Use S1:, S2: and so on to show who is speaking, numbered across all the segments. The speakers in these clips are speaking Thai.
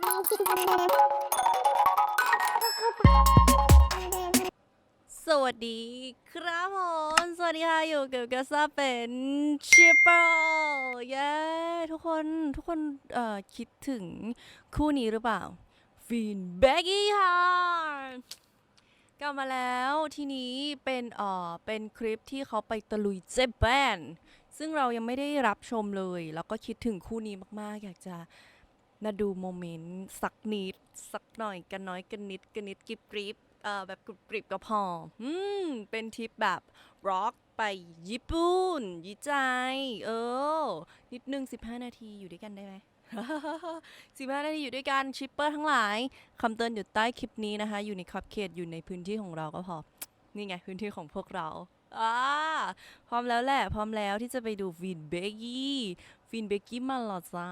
S1: สวัสดีครับผมสวัสดีค่ะอยู่กับกาซาเป็นชิปเปอร์เย้ทุกคนคิดถึงคู่นี้หรือเปล่าฟินเบกกี้ค่ะกลับมาแล้วทีนี้เป็นคลิปที่เขาไปตะลุยเจแปนซึ่งเรายังไม่ได้รับชมเลยแล้วก็คิดถึงคู่นี้มากๆอยากจะมาดูโมเมนต์สักนิดสักหน่อยกันน้อยกันนิดกริบกริบแบบกรุบกริบก็พอเป็นทริปแบบร็อกไปญี่ปุ่นยี่ใจนิดนึง15 นาทีอยู่ด้วยกันได้ไหม 15 นาทีอยู่ด้วยกันชิปเปอร์ทั้งหลายคำเตือนอยู่ใต้คลิปนี้นะคะอยู่ในขอบเขตอยู่ในพื้นที่ของเราก็พอนี่ไงพื้นที่ของพวกเราพร้อมแล้วแหละพร้อมแล้วที่จะไปดูฟินเบกกี้มาหรอจ้า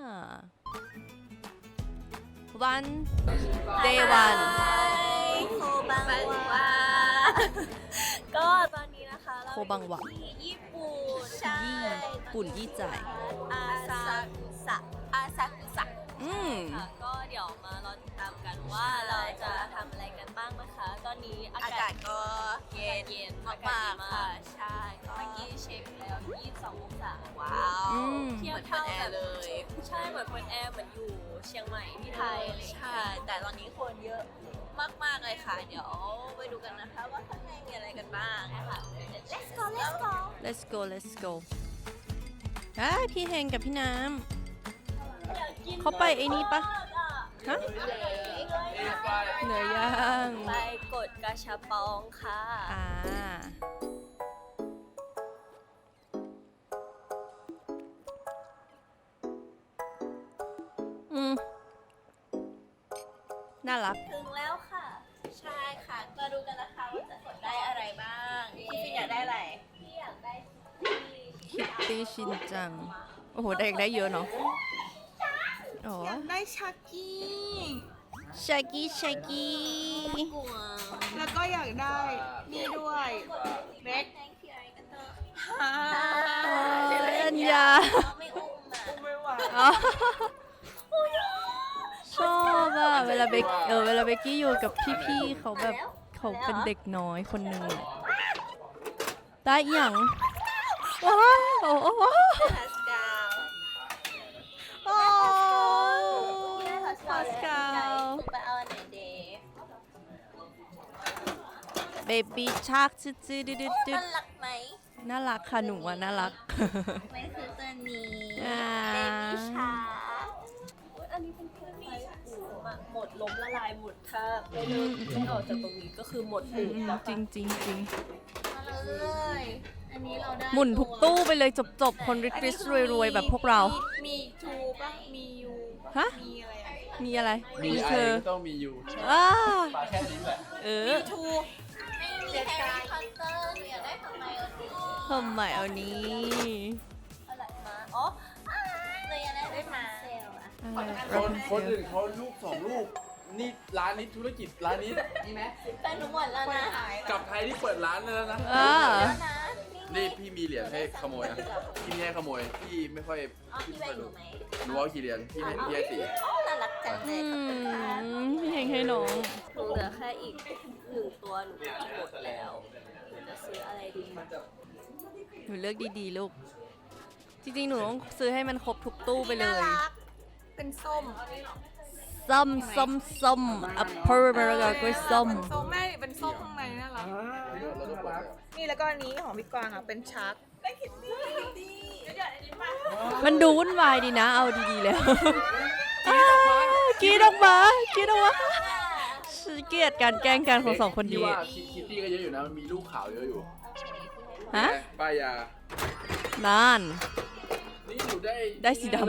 S1: วันเดย์วัน
S2: โคบังวาก็ตอนนี้นะคะเรา
S1: โคบังวะ
S2: ที่ญี่ปุ่นใช่
S1: ญี่ปุ่นยี่ใจ
S2: อาซากุสะค่ะก็เดี๋ยวมารอติดตามกันว่าเราจะทำอะไรกันบ้างนะคะตอนนี้อากาศก็เย็นมากๆค่ะใช่ก็เมื่อกี้เช็คแล้ว22 องศาว้าวเทียบเท่าแบบเลยใช่เหมือนเปิดแอร์เหมือนอยู่เชียงใหม่ที่ไทยใช่แต่ตอนนี้คนเยอะมากๆเลยค่ะเดี๋ยวไปดูกันนะคะว่าข้างในมีอะไรกันบ้างนะคะ
S1: let's go พี่เฮงกับพี่น้ำเขาไปไอ้นี่ปะฮะเหนือย่าง
S2: ไปกดกระชับปองค่ะ
S1: น่ารัก
S2: ถึงแล้วค่ะใช่ค่ะมาดูกันนะคะว่าจะกดได้อะไรบ้างพี่ฟินอยากได้อะไรพี่อยากได้
S1: คิตตี้ชินจังโอ้โหเด็กได้เยอะเนาะ
S3: อยากได้ชักกี้
S1: ชากี้
S3: แล้วก็อยากได้นี่ด้วยเบ็ก
S1: อัญญา
S2: ไม่อุ้มอ่ะ
S3: ไม่ไหว
S1: ชอบอะเวลาเบกกี้อยู่กับพี่ๆเขาแบบเขาเป็นเด็กน้อยคนหนึ่งได้อย่างว้าว
S2: ฮัสกาว
S1: ฮัสกาว
S2: ไปเอาอันไหนเดย์
S1: เบบี้ชาร์กจืด
S2: น่ารักไหม
S1: น่ารักค่ะหนูอะน่ารัก
S2: ไม่คือตัวนี้
S1: อ่า
S2: เบบี้ชาอันนี้เป็นเครื่องไฟปูหมดล้มละลายหมดถ้าไม่เลิกไม่ออกจากตรงนี้ก็คือหมดปูแล้ว
S1: จริง
S2: มาเลยอันนี้เราได้
S1: หมุนทุกตู้ไปเลยจบคนริชรวยแบบพวกเรา
S3: มีทูป่ะมียูป่ะ
S1: ฮะ
S3: มีอะไรอ่ะ
S1: มีอะไร
S4: มีไอ
S1: เธอ
S4: ก็ต้องมีอยู่ ปลาแค่นี้แหละ
S3: ทู
S2: ไม่มีแฮร์รี่พอตเตอร์หนูอยากได้ทำไมอันนี้
S1: ทำไมเอานี้
S2: อะไรมาอ๋อหนูอยากได้มาเซลอะ
S4: คนอื่นเขาลูก2 ลูก นี่ร้านนี้ธุรกิจร้านนี้นี่ไหม
S2: แต่หนูหมดแล้วนะ
S4: กับใครที่เปิดร้านแล้วนะ
S2: แล้วนะ
S4: นี่พี่มีเหรียญให้ขโมยนะพี่ไม่ให้ขโมยพี่ไม่ค่อย
S2: อ๋อพี่แบ่งหนูไหม
S4: หนูเอากี่เหรียญพี่ให้4
S2: อ๋อน่ารักจังเลยขอบคุณค่ะ
S1: พี่เฮงให้น้อง
S2: หนูเหลือแค่อีก1 ตัวหนูจะหมดแล้วหนูจะซื้ออะไรดี
S1: หนูเลือกดีๆลูก จริงๆ หนูต้องซื้อให้มันครบทุกตู้ไปเลย
S3: เป็นส้ม
S1: ส้มอัปเปอร์มาแล้วก็ส้ม
S3: เป็นส้มแม่เป็นส้มข้างในน่ารักนี่แล้วก็อันนี้ของพี่กวางอ่ะเป็นชักได้คิตตี้
S1: มันดูวุ่นวายดีนะ เอาดีๆแล้วกรีดออกมาเกลียดการแกล้งกันของ2 คน
S4: พี่
S1: นี้
S4: ว่าคิตตี้ก็เยอะอยู่นะมันมีลูกขาวเยอะอยู่
S1: ฮะ
S4: ป้ายา
S1: นั่น
S4: นี่หนูได้
S1: ได้สีดำ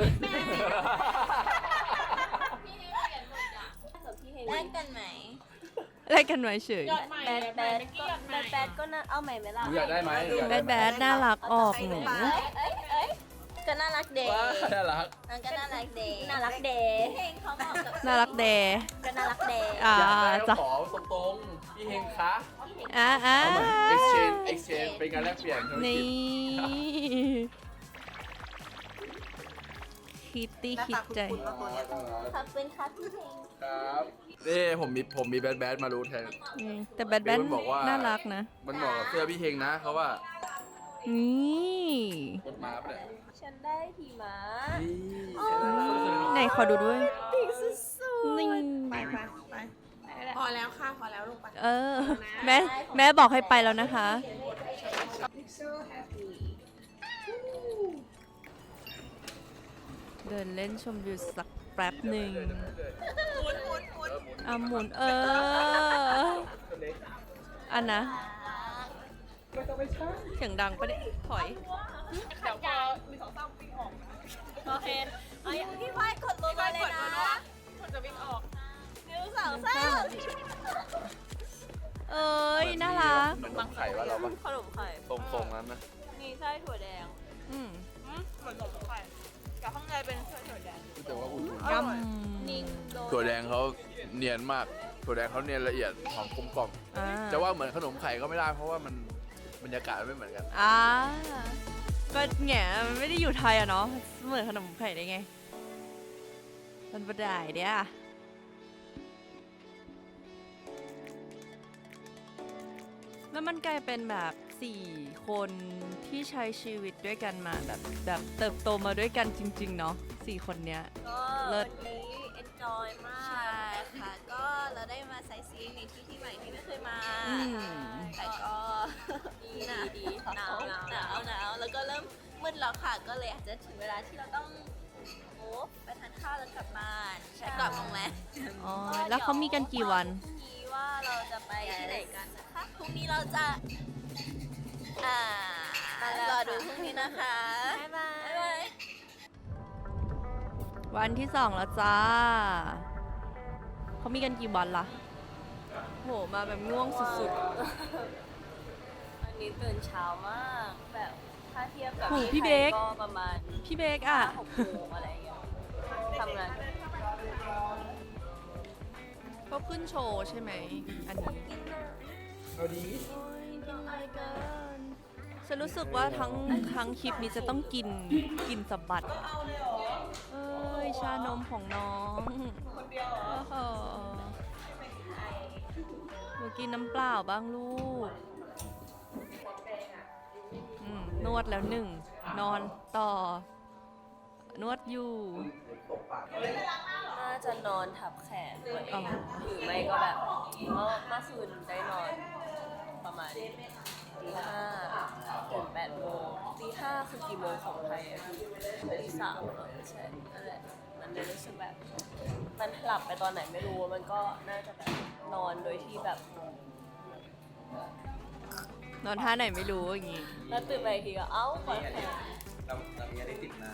S2: แลกกันไหม
S1: อะไรกันไว้เฉย
S2: แบดก็น่าเอาใหม่ไหมล่ะ
S4: หนูอยากได้ไหม
S1: แบดน่ารักออกหนู
S2: ก็น่ารักเดย์
S4: ว้าน่ารัก
S2: มันก็น่ารักเดย์น่ารักเดย์เพลงเขาเหมาะกับ
S1: น่ารักแด
S2: ก็น่ารักเดย์
S1: อ่า
S4: อยากได้
S1: จ้ะ
S4: ก็ขอตรงๆพี่เฮงคะ
S1: เอา
S4: เหมือน exchange เป็นการแลกเปลี่ยนธุร
S1: นี่
S4: กิจ
S1: คิตตี้
S3: หน้า
S1: คิ
S3: ตา
S1: ด
S3: คุณ
S1: ใจ
S3: คุณมาตัวเนี้ย
S2: ขอบคุณครับพี่เพลง
S4: ครับนี่ผมมีแบดมารู้แทน
S1: แต่แบทแบท
S4: มันบอกว่า
S1: น่ารักนะ
S4: มันเหมาะกับเสื้อพี่เฮงนะเขาว่า
S1: นี่
S4: กดมาปะเนี่ย
S2: ฉันได้หิมะ
S1: ไหนขอดูด้วย
S2: ปีกสุด
S1: นี่
S3: ไปพอแล้วค่ะ พอแล้วลูกไป
S1: เออ แม่บอกให้ไปแล้วนะคะ
S3: so happy
S1: เดินเล่นชมวิวสักแป๊บหนึ่ง
S3: หมุน
S1: อ่ะหมุนอันนะเสียงดังปะเนี่ยถอย
S3: เดี๋ยวพอมีสองสามวิ่งออก
S2: โอเคเอาอย่างพี่ฝ้ายกดลงมาเลยนะ
S3: มันจะวิ่งออก
S2: 1 2 3
S1: เอ้ย น่ารัก
S4: เหมือนไข่ว่าเราปะ
S2: ขนมไข่
S4: ตรงนั้นนะ
S2: มีไส้ถั่วแดง
S1: อืม
S3: เหมือนขนมไข่แต่ข้างในเป็นถั่วแดง
S4: แต่ว่าอุ่น
S1: ย
S2: นิ่งโดน
S4: ถั่วแดงเขาเนียนมากถั่วแดงเขาเนียนละเอียดหอมกลมกล่อม
S1: ำอ่า
S4: จะว่าเหมือนขนมไข่ก็ไม่ได้เพราะว่ามันบรรยากาศไม่เหมือนกัน
S1: ก็แง่มันไม่ได้อยู่ไทยอะเนาะ เหมือนขนมไข่ได้ไง มันประได้เดียแล้วมันกลายเป็นแบบ4 คนที่ใช้ชีวิตด้วยกันมาแบบเติบโตมาด้วยกันจริง ๆ เนาะ4 คนเนี้ย
S2: ก็
S1: เลิ
S2: วั
S1: ศ
S2: นนี้ enjoy มาก ใช่ค่ะ ก็เราได้มาไซซีในที่ใหม่ที่ไม่เคยมา
S1: อืม
S2: แต่ก็ดีหนาวแล้วก็เริ่มมืดแล้วค่ะ ก็เลยอาจจะถึงเวลาที่เราต้องไปทานข้าวแล้วกลับบ้านใช่กลับโรงแรม
S1: อ๋อ แล้วเขามีกันกี่วัน
S2: พรุ่งนี้ว่าเราจะไปที่ไหนกันนะคะพรุ่งนี้เราจะรอดูพรุ่งนี้นะคะบ๊ายบาย
S1: วันที่ 2 แล้วจ้า เขามีกันกี่วันล่ะ โห มาแบบง่วงสุด
S2: วันนี้ตื่นเช้ามากแบบถ้าเทียบกับ
S1: โอ้โหพี่
S2: ที่ไท
S1: เบ
S2: ย
S1: ค
S2: ก็ประมาณ
S1: ๆ พี่เบกอะ
S2: 5-6 โมงอะไรอย่างเงี้ยทำงาน
S1: เขาขึ้นโชว์ใช่ไหม อันนี้
S4: เอาดี
S1: โอ้ยกินอะไรกันฉันรู้สึกว่าทั้งคลิปนี้จะต้องกินสะบัดเอ้ย ชานมของน้องคนเดียวเหรอหนูกินน้ำเปล่าบ้างลูกนวดแล้ว1 นอนต่อ นวดอยู่
S2: น่าจะนอนทับแขนตัวเอ
S1: อ๋อ
S2: งหรือไม่ก็แบบเมื่อคืนได้นอนประมาณตี 5ตื่น8 โมงตี 5คือกี่โมงของไทยอะตี 3ใช่นั่นแหละมันเลยรู้สึกแบบมันหลับไปตอนไหนไม่รู้มันก็น่าจะแบบนอนโดยที่แบบ
S1: นอนท่าไหนไม่รู้อย่างงี้
S2: แล้วตื่นไปอีกทีก็เอ้าขอแขน
S5: เรามีอะไรติดมา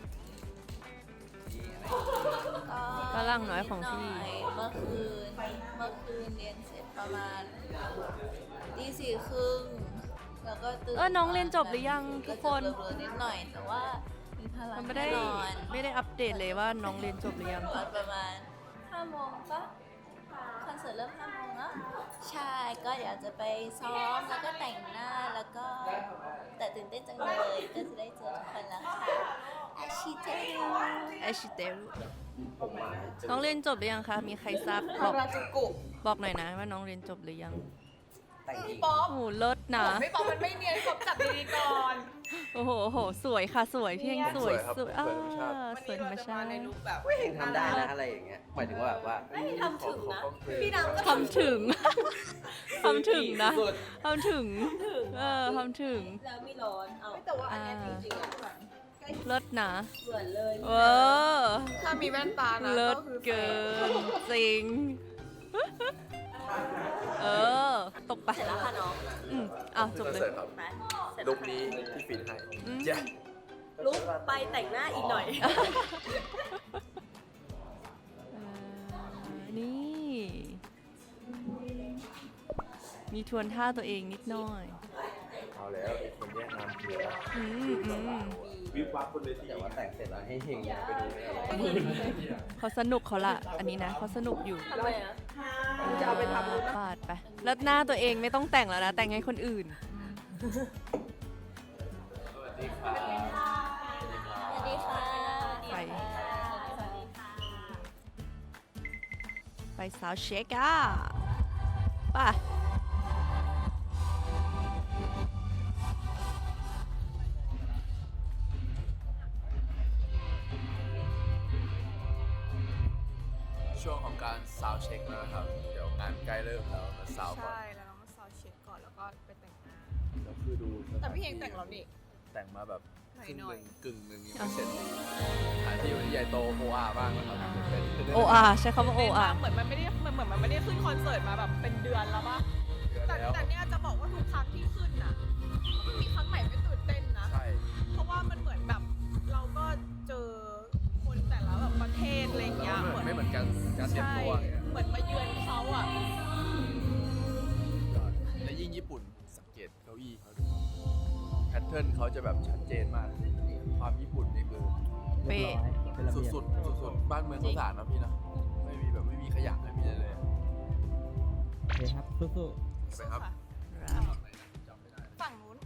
S1: ฝรั่งน้อยของพี่
S2: เมื่อคืนเรียนเสร็จประมาณตี 4 ครึ่งแล้วก็ตื่น
S1: น้องเรียนจบหรือยังทุกคน
S2: ก็จะเบลอๆนิดหน่อยแต่ว่ามีพลัง
S1: มันไม่ได้
S2: แน่นอน
S1: ไม่ได้อัปเดตเลยว่าน้องเรียนจบหรือยัง
S2: ตอนประมาณ 5 โมงปะคอนเสิร์ตเริ่ม 5 โมงแล้วใช่ก็เดี๋ยวจะไปซ้อมแล้วก็แต่งหน้าแล้วก็แต่ตื่นเต้นจังเลยก็จะได้เจอทุกคนแล้วค่ะอาชิเตรุ
S1: ไอชิเตรุน้องเรียนจบหรือยังคะ มีใครทราบบอก
S3: ราจูกุ
S1: บอกหน่อยนะว่าน้องเรียนจบหรือยัง
S5: แต่งหญิง
S3: ป๊อป
S1: โอ้โหเลิศนะ
S3: ไม่ป๊อปมันไม่เนียนป๊อปจับดีๆก่อน
S1: โอ้โห สวยค่ะ สวยเพียงสวย
S4: ครับ
S1: สวย
S4: สวยธรรมชาติ
S1: สวยธรรมชาติ
S3: ในลุคแบบ
S5: เองทำได้นะอะไรอย่างเงี้ย หมายถึงว่าแบบว่า
S2: ทำถึงนะพี่ดำก็
S1: ทำถึง ทำถึงนะทำถึง ทำถึง
S2: แล้วมีร้อนเอา
S3: แต่ว่าอันเนี้ยจริงๆอะ
S1: เลิศนะ
S2: เหมือนเลย
S1: เออ
S3: ถ้ามีแว่นตานะ
S1: เลิศ
S3: ก็คือ
S1: เกิน จริง ตกไป
S2: เสร็จแล้วค่ะน้อง
S1: จบเลย
S4: เสร็จครับ
S2: ไปเสร็จ
S4: ลุ
S2: แล้ว
S4: คนี้ที่ฟินให้
S1: อืม
S4: เย้
S2: ลุกไปแต่งหน้าอีกหน่อย
S1: นี่ มีทวนท่าตัวเองนิดหน่อย
S4: เอาแล้วไอ้คนแย่งงานเพีย
S1: อืม
S4: วิบวับคนเลยที
S5: แต่ว่าแต่งเสร็จแล้วให้เฮงไปดูอะไร
S1: เขาสนุกเขาละ อันนี้นะเขาสนุกอยู่
S2: ทำไมอ่ะ
S3: จะเอาไปทำรูป
S1: ปาดไป แล้วหน้าตัวเองไม่ต้องแต่งแล้วนะ แต่งให้คนอื่น
S2: สวัสดีค่ะ
S1: ไปไปซาวด์เช็คอ่ะไป
S4: ช่วงของการซาวด์เช็คแล้วนะครับ เดี๋ยวงานใกล้เริ่มแล้วมาซาวด์ก่อน
S3: ใช่แล้วเรามาซาวด์เช็คก่อนแล้วก็ไปแต่งหน้า
S4: แล้วคือดูสถาน
S3: แต่พี่เฮงแต่งแล้วนี่
S4: แต่งมาแบบ
S3: หน่
S4: ครึ่ง
S3: อย
S4: หนึ่งกึ่งหนึ่งยังไม่เสร็จสถานที่วันนี้ใหญ่โตโออาบ้างนะครับเป็น
S1: OR ใช้คำว่า OR
S3: เหมือนมันไม่ได้ขึ้นคอนเสิร์ตมาแบบเป็นเดือนแล้วปะแต่
S4: แล้ว
S3: แต่เนี่ยจะบอกว่าทุกครั้งที่ขึ้นน่ะไม่มีครั้งไหนไม่ตื่นเต้นนะ
S4: ใช่
S3: เพราะว่ามันเหมือนแบบเราก็เจอคนแต่ละแบบประเทศอะไรอย่าง
S4: แล้
S3: เงี้
S4: วย ไม่เหมือนกันการเตรียม
S3: ใช่
S4: ตัวอย่างเงี้ย
S3: เหมือนมาเยือนเขาอ่ะ
S4: และยิ่งญี่ปุ่นสังเกตเก้าอี้เขาดูแพทเทิร์นเขาจะแบบชัดเจนมาก ความญี่ปุ่นนี่คือ
S1: เป๊ะ
S4: สุดๆบ้านเมืองเขาสะอาดนะพี่นะไม่มีขยะไม่มีอะไรเลย
S6: โอเคครับสู้
S4: ไปครับ
S3: ฝั่งนู้น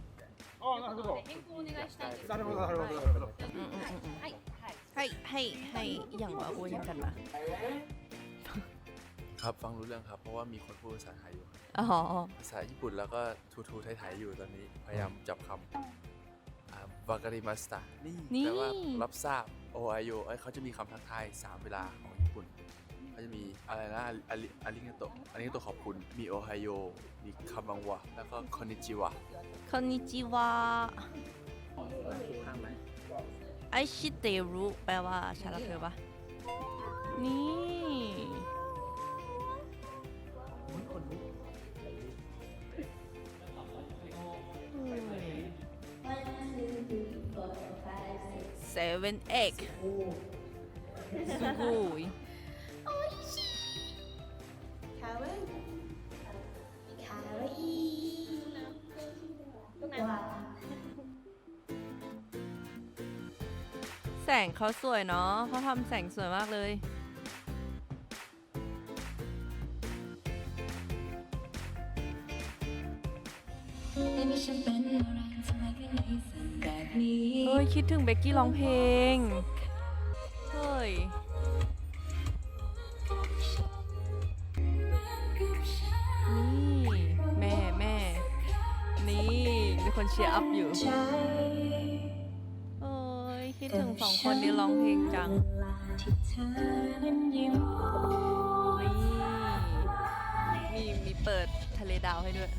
S1: ให้อย่างว่าอ้วนยังกันมา
S4: ครับฟังรู้เรื่องครับ เพราะว่ามีคนพูดภาษาไทยอยู่
S1: อ๋อ
S4: ภาษาญี่ปุ่นแล้วก็ทูไทยๆอยู่ตอนนี้พยายามจับคำวาการิมาสตานี่แปลว่ารับทราบโอไอโยเขาจะมีคำทักทาย3 เวลาของญี่ปุ่นเขาจะมีอะไรนะอาริงาโตะขอบคุณมีโอไฮโยมีคำบังวะแล้วก็คอนนิจิวะ
S1: คอนนิจิวะไอชิเตรุแปลว่าชาลาเพลปะนี่เซเว่นเอ็กสุกุย
S3: คาเว้ย
S1: แสงเขาสวยเนาะเขาทำแสงสวยมากเลย เฮ้ย คิดถึงเบกกี้ร้องเพลง เฮ้ย นี่แม่นี่มีคนเชียร์อัพอยู่โอ้ยคิดถึง2 คนนี้ร้องเพลงจังนี่มีเปิดทะเลดาวให้ด้วย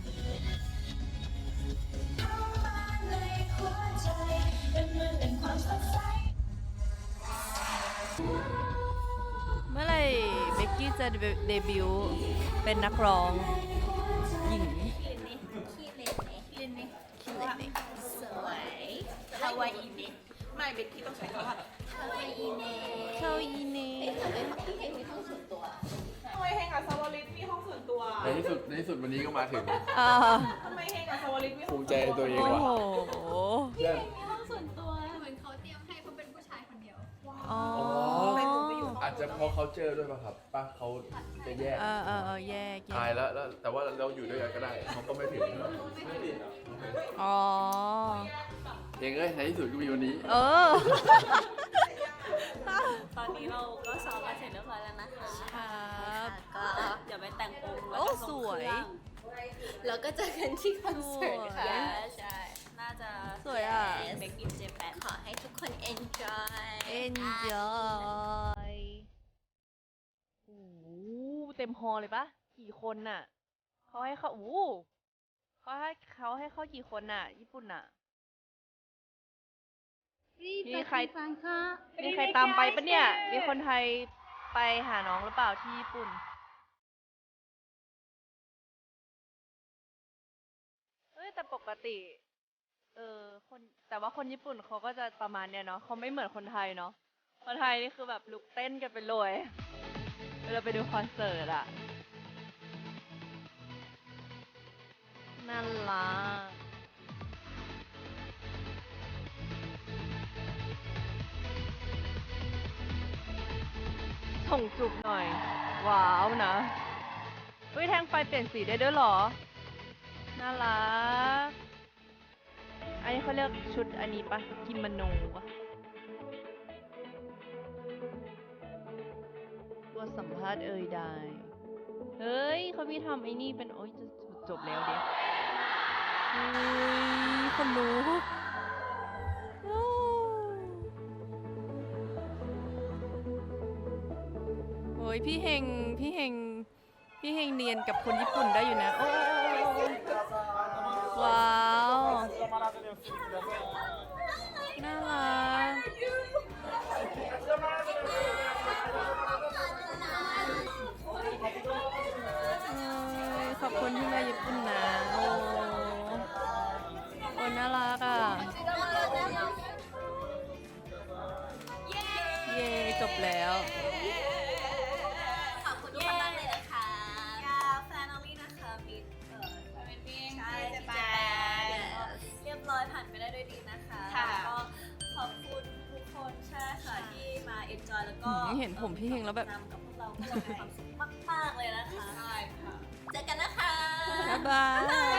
S1: เมื่อไหร่เบกกี้จะเดบิวต์เป็นนักร้องหญิง
S2: สวยฮาวายอีเน
S3: ไม่เบกกี้ต้องใช้คำว่า
S2: ฮาวายอีเน
S1: เข้าอีเน่
S2: พี่เฮงมีห้องส่วนตัว
S3: ทำไมเฮงกับสวลิตมีห้องส่วนตัว
S4: ในที่สุดวันนี้ก็มาถึง
S1: อ่า
S3: ทำไมเฮงกับสวลิตมีห้
S4: ภู
S3: อง
S4: มิใจในตัวเอง
S1: โอ้
S4: ว่ะ
S1: โห
S2: มีห้องส่วนตัวเหมือนเขาเตรียมให้เขาเป็นผู้ชายคนเดียว
S1: อ๋อ
S3: ไปหนูไปอยู่ห้อง
S4: อาจจะเพราะเขาเจอด้วยป่ะครับป้าเขาจะแยก
S1: แยก
S4: ตายแล้วแต่ว่าเราอยู่ด้วยกันก็ได้เขาก็ไม่ถึง
S1: อ๋อ
S4: เองเอ้ยในที่สุดก็มีวันนี้
S1: เออ
S2: ตอนนี้เราก็ซ้อมกันเสร็จเรียบร้อยแล้วนะคะ
S1: ครับ
S2: ก็เดี๋ยวไปแต่งองค์แล้ว
S1: โอ้
S2: ก็
S1: ส
S2: ส่ง
S1: วย
S2: เครื่องแล้วก็เจอกันที่คอนเสิร์ต
S1: สวย
S2: ค่ะใช่ น่าจะ
S1: สวยอ่ะ
S2: เบกกิ้งเจแปนขอให้ทุกคน enjoy
S1: enjoy โอ้โหเต็มฮอลเลยปะกี่คนน่ะเขาให้เข้ากี่คนน่ะ ญี่ปุ่นน่ะ มีใครตามไปปะเนี่ย มีคนไทยไปหาน้องหรือเปล่าที่ญี่ปุ่น แต่ปกติ แต่ว่าคนญี่ปุ่นเขาก็จะประมาณเนี้ยเนาะเขาไม่เหมือนคนไทยเนาะ คนไทยนี่คือแบบลุกเต้นกันไปเลยเวลาไปดูคอนเสิร์ตอะน่ารักส่งจุบหน่อย ว้าวนะเฮ้ยแทงไฟเปลี่ยนสีได้ด้วยเหรอ น่ารัก อันนี้เขาเรียกชุดอันนี้ปะกิโมโนปะว้มาสัมภาษณ์ใดเฮ้ยเขามีทำไอ้นี่เป็นโอ๊ยจะจบแล้วเด็กเฮ้ยคนรู้โอ้ยพี่เฮงเนียนกับคนญี่ปุ่นได้อยู่นะโอ้ว้าวน่ารักขอบคุณที่มาญี่ปุ่นนะโอ้น่ารักอ่ะเย้จบแล้ว
S2: ขอบคุณทุกคนมากเลยนะคะแฟนน้องลี่นะคะมิดใช่เจแปนเรียบร้อยผ่านไปได้ด้วยดีนะคะแล้วก็ขอบคุณทุกคนใช่ค่ะที่มาเอ็นจอยแล้วก็
S1: เห็นผมพี่เฮงแล้วแบบ
S2: นำกับพวกเราพวกเรามีความสุขมากๆเลยนะคะใช่ค่ะเจอกันนะคะ
S1: บ๊ายบาย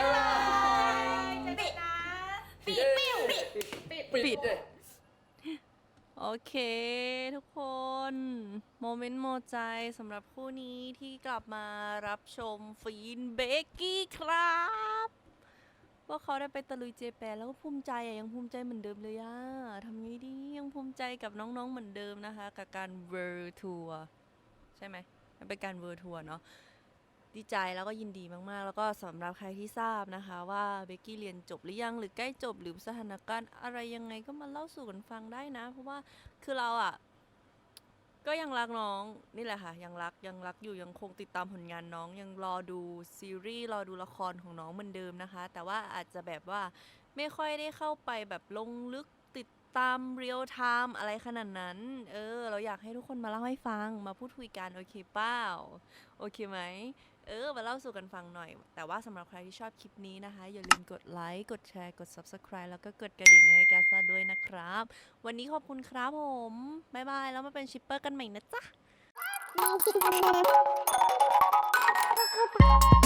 S2: ปิดนะปิดปิด
S1: โอเคทุกคน โมเมนต์โมใจสำหรับคู่นี้ที่กลับมารับชมฟีนเบกกี้ครับว่าเขาได้ไปตะลุยเจแปนแล้วก็ภูมิใจอะยังภูมิใจเหมือนเดิมเลยอะทำไงดียังภูมิใจกับน้องๆเหมือนเดิมนะคะกับการเวิร์ทัวร์ใช่ไหมมันเป็นการเวิร์ทัวร์เนาะดีใจแล้วก็ยินดีมากๆแล้วก็สำหรับใครที่ทราบนะคะว่าเบกกี้เรียนจบหรือยังหรือใกล้จบหรือสถานการณ์อะไรยังไงก็มาเล่าสู่กันฟังได้นะเพราะว่าคือเราอะก็ยังรักน้องนี่แหละค่ะยังรักอยู่ยังคงติดตามผลงานน้องยังรอดูซีรีส์รอดูละครของน้องเหมือนเดิมนะคะแต่ว่าอาจจะแบบว่าไม่ค่อยได้เข้าไปแบบลงลึกติดตามเรียลไทม์อะไรขนาดนั้นเราอยากให้ทุกคนมาเล่าให้ฟังมาพูดคุยกันโอเคเปล่าโอเคไหมมาเล่าสู่กันฟังหน่อยแต่ว่าสำหรับใครที่ชอบคลิปนี้นะคะอย่าลืมกดไลค์กดแชร์กด Subscribe แล้วก็กดกระดิ่งให้แกซ่าด้วยนะครับวันนี้ขอบคุณครับผมบ๊ายบายแล้วมาเป็นชิปเปอร์กันใหม่นะจ๊ะ